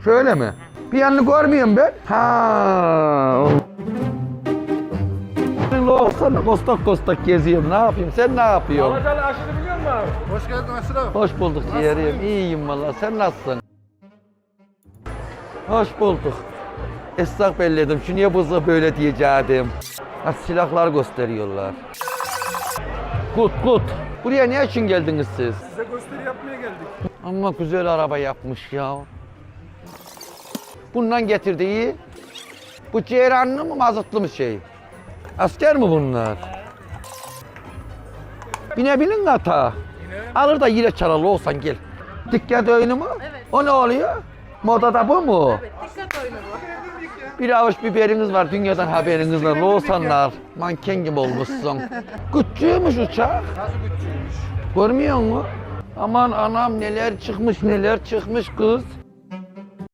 Şöyle mi? Bir yanını görmüyorum ben. Ha. Olsana kostak kostak geziyorum. Ne yapayım? Sen ne yapıyorsun? Alacalı aşırı biliyor musun abi? Hoş geldin Aşırı. Hoş bulduk ciğerim. İyiyim valla. Sen nasılsın? Hoş bulduk. Esnaf belledim. Şu niye buza böyle diyeceğim. Ha, silahlar gösteriyorlar. Kut. Buraya ne için geldiniz siz? Size gösteri yapmaya geldik. Ama güzel araba yapmış ya. Bundan getirdiği. Bu ceyranlı mı mazotlu mu şey? Asker mi bunlar? Binebilin ata. Alır da yine çaralı olsan gel. Dikkat oyunu mu? Evet. O ne oluyor? Modada bu mu? Evet, dikkat oyunu bu. Bir avuç biberiniz var, dünyadan haberiniz var. Loğusanlar, manken gibi olmuşsun. Küçüğümüş uçak. Nasıl bütçeymiş? Görmüyor musun? Aman anam neler çıkmış kız.